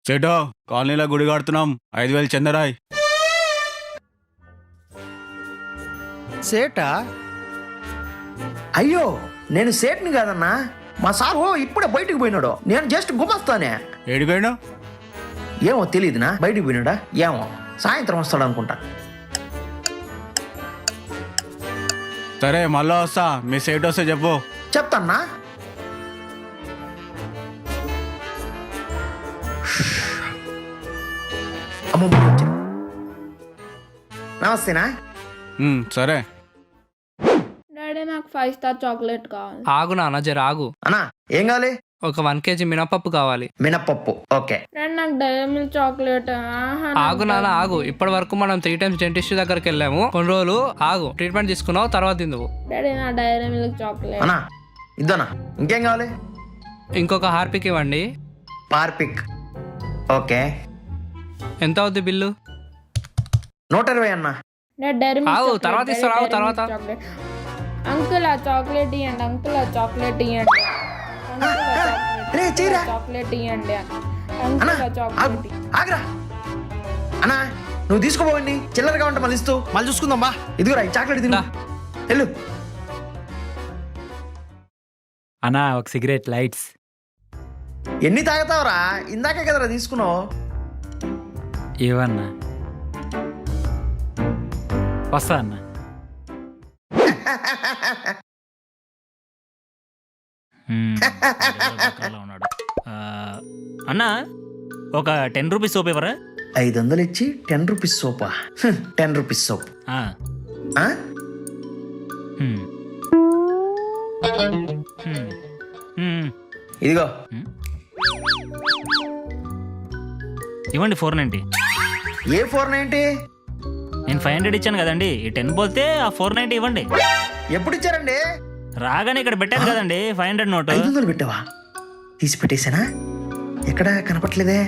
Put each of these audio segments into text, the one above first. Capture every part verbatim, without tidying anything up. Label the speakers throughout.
Speaker 1: సేటో కాలనీలో గుడి కడుతున్నాం, ఐదు వేలు చందరాయ్.
Speaker 2: సేటా? అయ్యో నేను సేట్ని కాదన్నా, మా సారు ఇప్పుడే బయటికి పోయినాడు. నేను జస్ట్ గుమస్తానే.
Speaker 1: ఏడిపోయాడు?
Speaker 2: ఏమో తెలియదునా, బయటికి పోయినాడా ఏమో, సాయంత్రం వస్తాడు అనుకుంటా.
Speaker 1: సరే మళ్ళా వస్తా, మీ సేట్ వస్తే చెప్పు.
Speaker 2: చెప్తాన్నా. అమ్మమ్మ వచ్చారు. నమస్తేనా.
Speaker 1: ఉమ్, సరే.
Speaker 3: డాడీ నాకు ఫైవ్ స్టార్ చాక్లెట్ కావాలి.
Speaker 4: ఆగు నాన్న, జర ఆగు.
Speaker 2: అన్నా ఏం కావాలి?
Speaker 4: ఒక వన్ కేజీ మినపప్పు కావాలి.
Speaker 2: మినపప్పు ఓకే.
Speaker 3: డాడీ నాకు డైరీ మిల్క్ చాక్లెట్. ఆహా,
Speaker 4: ఆగు నాన్న ఆగు. ఇప్పటి వరకు మనం త్రీ టైమ్స్ డెంటిస్ట్ దగ్గరికి వెళ్ళాము. కొన్ని రోజులు ఆగు, ట్రీట్మెంట్ తీసుకున్నావు, తర్వాత తిందువు.
Speaker 3: డాడీ నా డైరీ మిల్క్ చాక్లెట్.
Speaker 2: అన్నా ఇద్దనా, ఇంకేం కావాలి?
Speaker 4: ఇంకొక హార్పిక్ ఇవ్వండి.
Speaker 2: పార్పిక్ ఓకే.
Speaker 4: ఎంత అవుద్ది బిల్లు?
Speaker 2: నూట ఇరవై అన్నా.
Speaker 3: డాడీ డైరీ మిల్క్
Speaker 4: ఆగు,
Speaker 3: చాక్లెట్,
Speaker 4: తర్వాత
Speaker 3: డాడీ
Speaker 4: ఇస్తాను, ఆగు,
Speaker 3: డైరీ
Speaker 4: తర్వాత.
Speaker 3: Milk chocolate. అంకుల్ ఆ చాక్లెట్ ఇవ్వండి, అంకుల్ ఆ చాక్లెట్ ఇవ్వండి, అంకుల్ ఆ
Speaker 2: రే, చేయరా.
Speaker 3: చాక్లెట్ ఇవ్వండి,
Speaker 2: అన్నా
Speaker 3: అంకుల్ ఆ
Speaker 2: ఆగు,
Speaker 3: చాక్లెట్.
Speaker 2: ఆగ్రా. అన్నా నువ్వు తీసుకోపోవండి, చిల్లరగా ఉంటే మళ్ళీ ఇస్తూ మళ్ళీ చూసుకుందాం బా. ఇదిగోరా ఈ చాక్లెట్ తిను.
Speaker 4: దా.
Speaker 2: వెళ్ళు.
Speaker 5: అన్నా ఒక సిగరెట్ లైట్స్.
Speaker 2: ఎన్ని తాగుతావురా? ఇందాకే కదరా తీసుకున్నావు.
Speaker 5: ఏవన్నా వస్తా అన్న. మ్మ్. ఉన్నాడు. ఆ, అన్నా ఒక టెన్ రూపీస్ సోప్ ఇవ్వరా?
Speaker 2: ఐదు వందలు ఇచ్చి టెన్ రూపీస్ సోపా? టెన్ రూపీస్ సోప్
Speaker 5: ఆ,
Speaker 2: ఆ?
Speaker 5: మ్మ్. మ్మ్. మ్మ్.
Speaker 2: ఇదిగో
Speaker 5: ఇవ్వండి ఫోర్ నైంటీ.
Speaker 2: ఏ ఫోర్ నైంటీ?
Speaker 5: నేను ఫైవ్ హండ్రెడ్ ఇచ్చాను కదండి, ఈ టెన్ పోతే ఆ ఫోర్ నైంటీ ఇవ్వండి.
Speaker 2: ఎప్పుడు ఇచ్చారండి?
Speaker 5: రాగానే ఇక్కడ పెట్టాను కదండి ఫైవ్ హండ్రెడ్ నోట్.
Speaker 2: ఐదు వందలు పెట్టావా? తీసి పెట్టేశానా? ఎక్కడ కనపట్లేదే.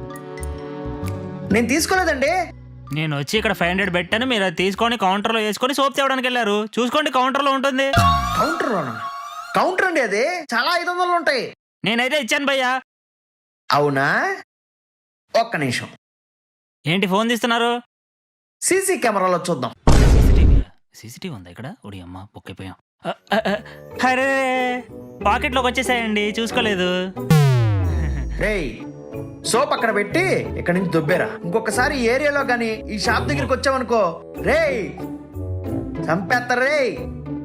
Speaker 2: నేను తీసుకోలేదండి.
Speaker 5: నేను వచ్చి ఇక్కడ ఫైవ్ హండ్రెడ్ పెట్టాను, మీరు అది తీసుకొని కౌంటర్లో వేసుకొని సోప్ తేవడానికి వెళ్ళారు. చూసుకోండి కౌంటర్లో ఉంటుంది.
Speaker 2: కౌంటర్లోనా? కౌంటర్ అండి అది, చాలా ఐదు వందలు ఉంటాయి.
Speaker 5: నేనైతే ఇచ్చాను భయ్యా.
Speaker 2: అవునా? ఒక్క నిమిషం,
Speaker 5: ఏంటి ఫోన్ తీస్తున్నారు?
Speaker 2: సీసీ కెమెరాలో చూద్దాం.
Speaker 5: సీసీటీవీ సీసీటీవీ ఉందా ఇక్కడ? ఒడి అమ్మ పొక్కిపోయాం. అరే పాకెట్లోకి వచ్చేసాయండి, చూసుకోలేదు.
Speaker 2: రేయ్ సోప్ అక్కడ పెట్టి ఇక్కడ నుంచి దుబ్బేరా. ఇంకొకసారి ఈ ఏరియాలో గాని ఈ షాప్ దగ్గరికి వచ్చావనుకో, రేయ్ చంపేస్తారు రేయ్.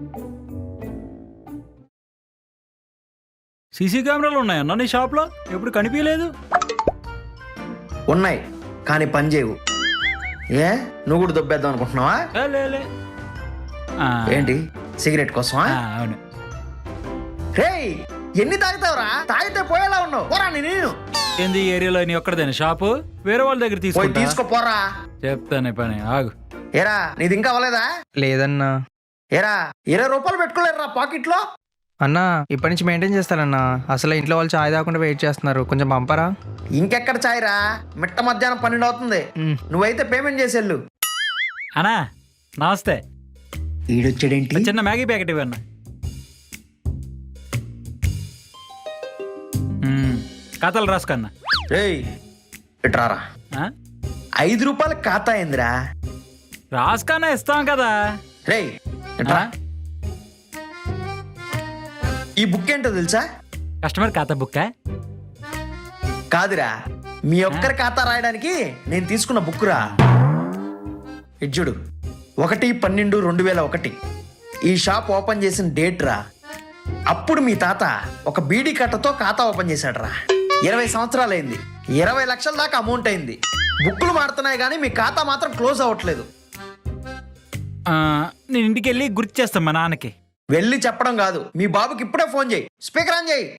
Speaker 6: సీసీ కెమెరాలు ఉన్నాయన్నా నీ షాప్లో? ఎప్పుడు కనిపించలేదు.
Speaker 2: ఉన్నాయి కానీ పని చేయవు. ఏ నువ్వు కూడా దుబ్బేద్దాం అనుకుంటున్నావా?
Speaker 6: ఏ, లే, లే. ఆ,
Speaker 2: ఏంటి సిగరెట్ కోసమా?
Speaker 6: ఆ, అవును.
Speaker 2: రేయ్ ఎన్ని తాగుతావురా? తాగితే పోయేలా ఉన్నావు. పోరా నేను.
Speaker 6: ఏంది ఈ ఏరియాలో నీ ఒక్కడదేనా షాపు? వేరే వాళ్ళ దగ్గర
Speaker 2: పోయి
Speaker 6: తీసుకుంటా.
Speaker 2: తీసుకోపోరా.
Speaker 6: చెప్తానే పని, ఆగు.
Speaker 2: ఏరా నీది ఇంకా అవ్వలేదా?
Speaker 4: లేదన్నా.
Speaker 2: ఏరా ఇరవై రూపాయలు పెట్టుకోలేరురా పాకెట్ లో?
Speaker 4: అన్నా ఇప్పటి నుంచి మెయింటైన్ చేస్తానన్నా. అసలు ఇంట్లో వాళ్ళు చాయ్ తాగకుండా వెయిట్ చేస్తున్నారు, కొంచెం పంపరా.
Speaker 2: ఇంకెక్కడ చాయరా? మిట్ట మధ్యాహ్నం పన్నెండు అవుతుంది.
Speaker 4: మ్.
Speaker 2: నువ్వైతే పేమెంట్ చేసేళ్ళు.
Speaker 6: అన్నా నమస్తే.
Speaker 2: ఈడొచ్చాడేంటి?
Speaker 6: చిన్న మ్యాగీ ప్యాకెట్ ఇవన్నా. కథలు రాసుకన్నా.
Speaker 2: రేయ్ ఇట్రారా. ఐదు రూపాయలు ఖాతా అయిందిరా.
Speaker 6: రాసుకన్నా ఇస్తాం కదా.
Speaker 2: రేయ్ ఇట్రా. ఈ బుక్ ఏంటో తెలుసా?
Speaker 6: కస్టమర్ ఖాతా బుక్.
Speaker 2: కాదురా, మీ ఒక్కరి ఖాతా రాయడానికి నేను తీసుకున్న బుక్ రా. ఇజ్జుడు ఒకటి పన్నెండు రెండు వేల ఒకటి ఈ షాప్ ఓపెన్ చేసిన డేట్ రా. అప్పుడు మీ తాత ఒక బీడీ కట్టతో ఖాతా ఓపెన్ చేశాడు రా. ఇరవై సంవత్సరాలు అయింది, ఇరవై లక్షల దాకా అమౌంట్ అయింది. బుక్కులు మారుతున్నాయి కానీ మీ ఖాతా మాత్రం క్లోజ్ అవ్వట్లేదు.
Speaker 6: నేను ఇంటికి వెళ్ళి గుర్తు చేస్తాను మా నాన్నకి.
Speaker 2: వెళ్ళి చెప్పడం కాదు, మీ బాబుకి ఇప్పుడే ఫోన్ చేయి. స్పీకర్ ఆన్ చేయి.